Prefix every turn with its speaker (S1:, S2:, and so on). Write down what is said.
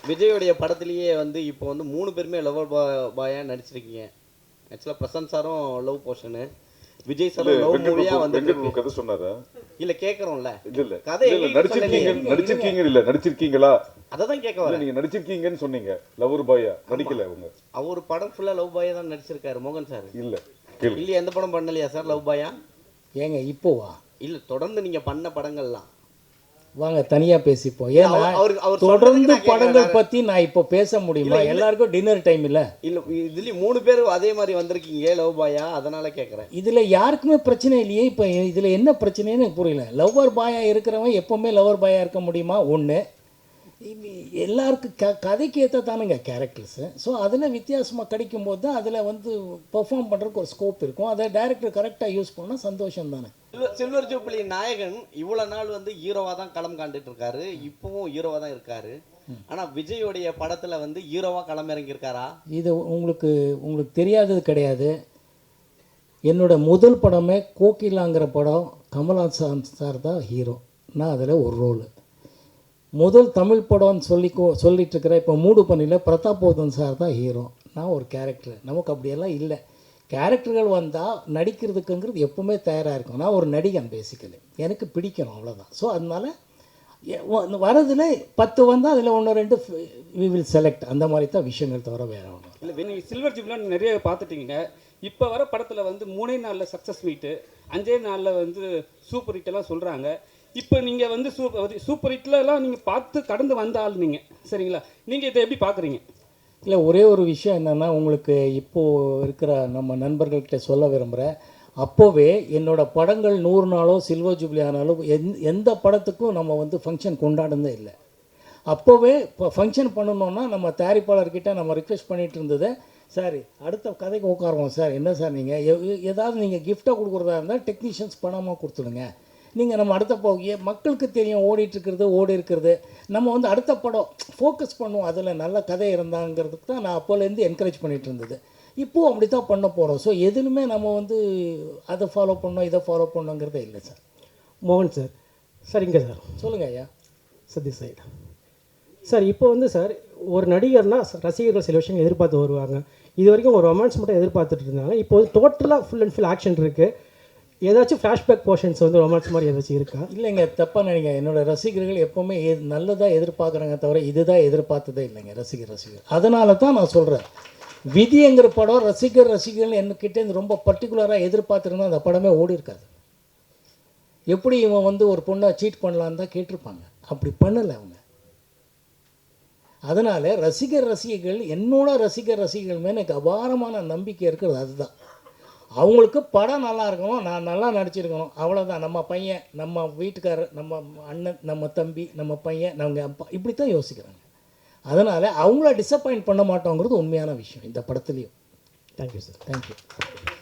S1: விஜயோடைய படத்திலேயே வந்து இப்போ வந்து 3 பேருமே லவர் பாயா நடிச்சிருக்கீங்க. ஆக்சுவலாக பிரசாந்த் சாரும் லவ் போர்ஷனு, விஜய் சாரும் லவ் மூவியா வந்து
S2: கதை சொன்னாரா?
S1: இல்ல கேக்குறோம்ல.
S2: இல்ல
S1: கதை
S2: நடிச்சிருக்கீங்களா?
S1: அததான் கேட்க வரேன்.
S2: நீங்க நடிச்சிருக்கீங்கன்னு சொன்னீங்க. லவர் பாயா நடிக்கல அவங்க.
S1: அவர் படம் ஃபுல்லா லவ் பாயா தான் நடிச்சிருக்காரு மோகன் சார்.
S2: இல்ல
S1: இல்ல எந்த படம் பண்ணலையா சார் லவ் பாயா?
S3: ஏங்க இப்போவா?
S1: இல்ல தொடர்ந்து நீங்க பண்ண படங்கள்லாம்
S3: வாங்க தனியாக பேசிப்போம். ஏன்னா தொடர்ந்து படங்கள் பற்றி நான் இப்போ பேச முடியுமா? எல்லாருக்கும் டின்னர் டைம் இல்லை.
S1: இல்லை இதுலேயும் 3 பேர் அதே மாதிரி வந்திருக்கீங்க லவ் பாயா, அதனால கேட்குறேன்.
S3: இதில் யாருக்குமே பிரச்சனை இல்லையே. இப்போ இதில் என்ன பிரச்சனைன்னு எனக்கு புரியல. லவ்வர் பாயா இருக்கிறவன் எப்போவுமே லவர் பாயா இருக்க முடியுமா? ஒன்று எல்லாருக்கும் கதைக்கு ஏற்ற தானுங்க கேரக்டர்ஸு. ஸோ அதில் வித்தியாசமாக கிடைக்கும்போது தான் அதில் வந்து பெர்ஃபார்ம் பண்ணுறதுக்கு ஒரு ஸ்கோப் இருக்கும். அதை டைரக்டர் கரெக்டாக யூஸ் பண்ணால் சந்தோஷம் தானே.
S1: சில்வர் ஜூப்ளி நாயகன் இவ்வளோ நாள் வந்து ஹீரோவாக தான் களம் காண்டுட்டு இருக்காரு, இப்போவும் ஹீரோவாக தான் இருக்காரு. ஆனால் விஜயோடைய படத்தில் வந்து ஹீரோவாக களம் இறங்கியிருக்காரா? இது
S3: உங்களுக்கு தெரியாதது கிடையாது. என்னோட முதல் படமே கோகிலாங்கிற படம் கமல்ஹாசன் சார் தான் ஹீரோ. நான் அதில் ஒரு ரோலு. முதல் தமிழ் படம்னு சொல்லிட்டு இருக்கிற இப்போ மூடு பண்ணியில் பிரதாபோதன் சார் தான் ஹீரோ. நான் ஒரு கேரக்டர். நமக்கு அப்படியெல்லாம் இல்லை. கேரக்டர்கள் வந்தால் நடிக்கிறதுக்குங்கிறது எப்போவுமே தயாராக இருக்கும். நான் ஒரு நடிகன் பேசிக்கலி, எனக்கு பிடிக்கணும் அவ்வளோதான். ஸோ அதனால் வரதில் 10 வந்தால் அதில் 1 2 வி வில் செலக்ட். அந்த மாதிரி தான் விஷயங்கள் தவிர வேறு ஒன்றும்
S4: இல்லை. நீங்கள் சில்வர் ஜூப்ளிலாம் நிறைய பார்த்துட்டீங்க. இப்போ வர படத்தில் வந்து 3 நாளில் சக்ஸஸ் மீட்டு, 5 நாளில் வந்து சூப்பர் ஹிட்டெல்லாம் சொல்கிறாங்க. இப்போ நீங்கள் வந்து சூப்பர் ஹிட்லலாம் நீங்கள் பார்த்து கடந்து வந்த ஆள் நீங்கள், சரிங்களா? நீங்கள் இதை எப்படி பார்க்குறீங்க?
S3: இல்லை, ஒரே ஒரு விஷயம் என்னென்னா, உங்களுக்கு இப்போது இருக்கிற நம்ம நண்பர்கள்கிட்ட சொல்ல விரும்புகிறேன். அப்போவே என்னோடய படங்கள் 100 நாளோ சில்வர் ஜூப்ளி ஆனாலும் எந்த படத்துக்கும் நம்ம வந்து ஃபங்க்ஷன் கொண்டாடுனதே இல்லை. அப்போவே இப்போ ஃபங்க்ஷன் பண்ணணுன்னா நம்ம தயாரிப்பாளர்கிட்ட நம்ம ரிக்வெஸ்ட் பண்ணிகிட்டு இருந்தது, சார் அடுத்த கதைக்கு உட்காருவோம் சார், என்ன சார் நீங்கள் ஏதாவது நீங்கள் கிஃப்டாக கொடுக்குறதா இருந்தால் டெக்னீஷியன்ஸ் பணமாக கொடுத்துடுங்க. நீங்கள் நம்ம அடுத்த மக்களுக்கு தெரியும் ஓடி இருக்கிறது. நம்ம வந்து அடுத்த படம் ஃபோக்கஸ் பண்ணுவோம், அதில் நல்ல கதை இருந்தாங்கிறதுக்கு தான் நான் அப்போலேருந்து என்கரேஜ் பண்ணிகிட்டு இருந்தது. இப்போது அப்படி தான் பண்ண போகிறோம். ஸோ எதுலுமே நம்ம வந்து அதை ஃபாலோ பண்ணோம் இதை ஃபாலோ பண்ணோங்கிறதே இல்லை சார்.
S5: மோகன் சார். சரிங்க சார்.
S3: சொல்லுங்கள் ஐயா.
S5: சதீஷ் சார். சார் இப்போ வந்து சார் ஒரு நடிகர்னால் ரசிகர்கள் சில விஷயங்கள் எதிர்பார்த்து வருவாங்க. இது வரைக்கும் ஒரு ரொமான்ஸ் மட்டும் எதிர்பார்த்துட்டு இருந்தாங்க. இப்போ வந்து டோட்டலாக ஃபுல் அண்ட் ஃபுல் ஆக்ஷன் இருக்குது. ஏதாச்சும் ஃப்ளாஷ்பேக் போர்ஷன்ஸ் வந்து ரொமான்ஸ் மாதிரி ஏதாச்சும் இருக்கா?
S3: இல்லைங்க, தப்பாக நினைங்க. என்னோடய ரசிகர்கள் எப்போவுமே நல்லதாக எதிர்பார்க்குறாங்க தவிர இதுதான் எதிர்பார்த்ததே இல்லைங்க ரசிகர். அதனால தான் நான் சொல்கிறேன், விதிங்கிற படம் ரசிகர்கள் என்கிட்டேருந்து ரொம்ப பர்டிகுலராக எதிர்பார்த்துருந்தா அந்த படமே ஓடி இருக்காது. எப்படி இவன் வந்து ஒரு பொண்ணை சீட் பண்ணலான்னு தான் கேட்டிருப்பாங்க. அப்படி பண்ணலை அவங்க. அதனால் ரசிகர்கள் என்னோட ரசிகர்கள் மேலே எனக்கு அபாரமான நம்பிக்கை இருக்கிறது. அதுதான் அவங்களுக்கு படம் நல்லா இருக்கணும், நான் நல்லா நடிச்சிருக்கணும், அவ்வளோதான். நம்ம பையன், நம்ம வீட்டுக்காரர், நம்ம அண்ணன், நம்ம தம்பி, நம்ம பையன், நம்ம அப்பா, இப்படி தான் யோசிக்கிறாங்க. அதனால் அவங்கள டிசப்பாயிண்ட் பண்ண மாட்டோங்கிறது உண்மையான விஷயம் இந்த படத்துலேயும்.
S5: Thank you sir.
S3: தேங்க்யூ.